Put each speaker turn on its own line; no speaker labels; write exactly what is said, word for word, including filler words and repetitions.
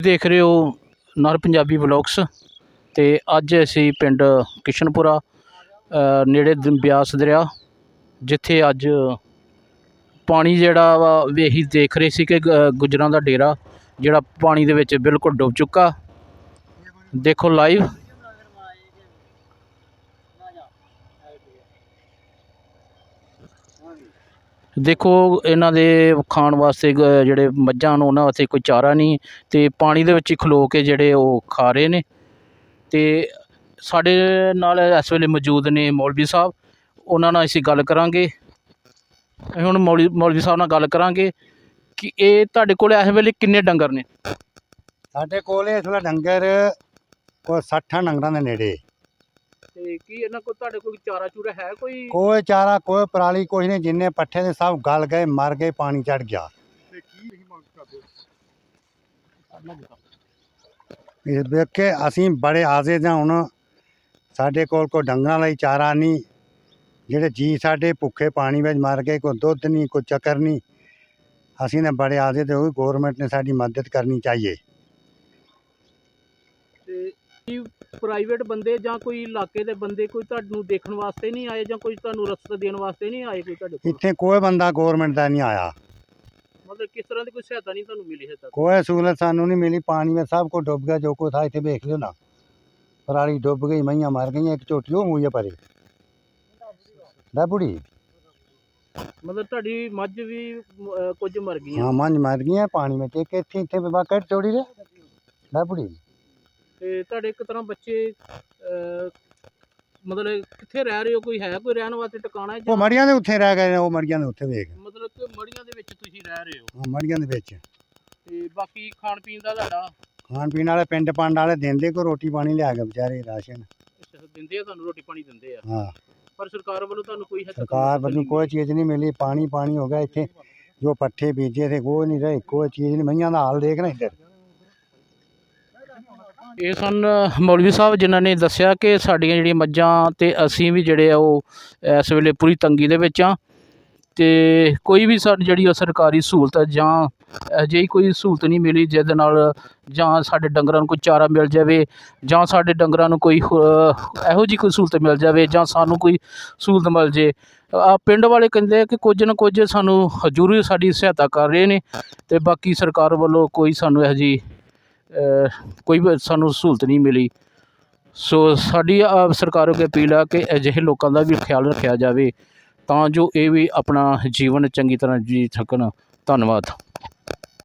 देख रहे हो नर पंजाबी व्लॉग्स। तो अज असी पिंड किशनपुरा नेड़े ब्यास दरिया जिथे अज पानी जिहड़ा वा असी देख रहे सी कि गुजरां दा डेरा जिहड़ा पानी दे विच बिल्कुल डुब चुका। देखो लाइव देखो इन्हां दे खाण वास्ते जिहड़े मज्झां न उन्हां वास्ते कोई चारा नहीं तो पानी दे विच खलो के जिहड़े वो खा रहे ने। ते साडे नाल इस वेले मौजूद ने मौलवी साहब, उन्हां नाल असीं गल करांगे। असीं हुण मौलवी मौलवी साहब नाल गल करांगे कि ये तुहाडे कोल इस वेले किन्ने डंगर ने?
साडे कोल इस वेले डंगर कोई सट्ठां डंगरां दे नेड़े।
ते की इन्हां कोल तुहाडे कोल चारा चूरा है कोई?
कोई चारा कोई पराली कुछ नहीं, जिन्ने पट्ठे ने सब गल गए, मर गए, पानी चढ़ गया। इस वेखे असीं बड़े आज़े हाँ। हुण साडे कोल कोई डंगरां लई चारा नहीं, जेह्ड़े जी साडे भुखे पानी विच मर गए, कोई दुद्ध नहीं, कोई चक्कर नहीं। असीं ने बड़े आज़े ते गौरमेंट ने साडी मदद करनी चाहिए।
प्राइवेट बंदे जां कोई इलाके दे बंदे कोई तुहानूं देखण वास्ते नहीं आए जां कोई तुहानूं रस्ता देण वास्ते नहीं आए? कोई तुहाडे कोल
इत्थे कोई बंदा गौरमेंट दा नहीं आया।
मतलब किस तरह की कोई सहायता नहीं तुहानूं मिली है तक?
कोई सहूलत सानू नहीं मिली। पानी में सब कुछ डुब गया, जो कुछ था इत्थे देख लियो ना। पराली डुब गई, मईयां मर गई, एक झोटी हो गई है परे बुढ़ी।
मतलब तुहाडी मੱਝ भी कुछ मर गई?
हाँ मੱਝ मर गई है पानी में। एक इत्थे इत्थे बाकट चौड़ी रे बुढ़ी।
ਤੇ ਤੁਹਾਡੇ ਇੱਕ ਤਰ੍ਹਾਂ ਬੱਚੇ ਮਤਲਬ ਕਿੱਥੇ ਰਹਿ ਰਹੇ ਹੋ? ਕੋਈ ਹੈ ਕੋਈ ਰਹਿਣ ਵਾਸਤੇ ਟਿਕਾਣਾ?
ਉਹ ਮੜੀਆਂ ਦੇ ਉੱਥੇ ਰਹਿ ਗਏ ਨੇ, ਉਹ ਮੜੀਆਂ ਦੇ ਉੱਥੇ ਵੇਖ।
ਮਤਲਬ ਕਿ ਮੜੀਆਂ ਦੇ ਵਿੱਚ ਤੁਸੀਂ ਰਹਿ ਰਹੇ ਹੋ?
ਹਾਂ ਮੜੀਆਂ ਦੇ ਵਿੱਚ।
ਤੇ ਬਾਕੀ ਖਾਣ ਪੀਣ ਦਾ ਤੁਹਾਡਾ?
ਖਾਣ ਪੀਣ ਵਾਲੇ ਪਿੰਡ ਪੰਡ ਵਾਲੇ ਦਿੰਦੇ, ਕੋਈ ਰੋਟੀ ਪਾਣੀ ਲਿਆ ਕੇ ਵਿਚਾਰੇ ਰਾਸ਼ਨ।
ਅੱਛਾ ਦਿੰਦੇ ਆ ਤੁਹਾਨੂੰ, ਰੋਟੀ ਪਾਣੀ ਦਿੰਦੇ ਆ?
ਹਾਂ।
ਪਰ ਸਰਕਾਰ ਵੱਲੋਂ ਤੁਹਾਨੂੰ ਕੋਈ
ਸਰਕਾਰ ਵੱਲੋਂ ਕੋਈ ਚੀਜ਼ ਨਹੀਂ ਮਿਲੀ। ਪਾਣੀ ਪਾਣੀ ਹੋ ਗਿਆ ਇੱਥੇ। ਜੋ ਪੱਠੇ ਬੀਜੇ थे ਕੋਈ ਨਹੀਂ ਰਹੇ, ਕੋਈ ਚੀਜ਼ ਨਹੀਂ। ਮਈਆਂ ਦਾ ਹਾਲ ਦੇਖ ਨਾ ਇੱਧਰ।
ਇਹ ਸਨ ਮੌਲਵੀ ਸਾਹਿਬ ਜਿਨ੍ਹਾਂ ਨੇ ਦੱਸਿਆ ਕਿ ਸਾਡੀਆਂ ਜਿਹੜੀਆਂ ਮੱਝਾਂ ਤੇ ਅਸੀਂ ਵੀ ਜਿਹੜੇ ਆ ਉਹ ਇਸ ਵੇਲੇ ਪੂਰੀ ਤੰਗੀ ਦੇ ਵਿੱਚ ਆ। ਤੇ ਕੋਈ ਵੀ ਸਾਡੀ ਜਿਹੜੀ ਉਹ ਸਰਕਾਰੀ ਸਹੂਲਤ ਜਾਂ ਅਜਿਹੀ ਕੋਈ ਸਹੂਲਤ ਨਹੀਂ ਮਿਲੀ ਜਿਹਦੇ ਨਾਲ ਜਾਂ ਸਾਡੇ ਡੰਗਰਾਂ ਨੂੰ ਕੋਈ ਚਾਰਾ ਮਿਲ ਜਾਵੇ ਜਾਂ ਸਾਡੇ ਡੰਗਰਾਂ ਨੂੰ ਕੋਈ ਇਹੋ ਜਿਹੀ ਕੋਈ ਸਹੂਲਤ ਮਿਲ ਜਾਵੇ ਜਾਂ ਸਾਨੂੰ ਕੋਈ ਸਹੂਲਤ ਮਿਲ ਜੇ। ਆ ਪਿੰਡ ਵਾਲੇ ਕਹਿੰਦੇ ਕਿ ਕੁਝ ਨਾ ਕੁਝ ਸਾਨੂੰ ਜ਼ਰੂਰ ਸਾਡੀ ਸਹਾਇਤਾ ਕਰ ਰਹੇ ਨੇ ਤੇ ਬਾਕੀ ਸਰਕਾਰ ਵੱਲੋਂ ਕੋਈ ਸਾਨੂੰ ਇਹੋ ਜਿਹੀ ਕੋਈ ਸਾਨੂੰ ਸਹੂਲਤ ਨਹੀਂ ਮਿਲੀ। ਸੋ ਸਾਡੀ ਸਰਕਾਰ ਅੱਗੇ ਅਪੀਲ ਆ ਕਿ ਅਜਿਹੇ ਲੋਕਾਂ ਦਾ ਵੀ ਖਿਆਲ ਰੱਖਿਆ ਜਾਵੇ ਤਾਂ ਜੋ ਇਹ ਵੀ ਆਪਣਾ ਜੀਵਨ ਚੰਗੀ ਤਰ੍ਹਾਂ ਜੀ ਸਕਣ। ਧੰਨਵਾਦ।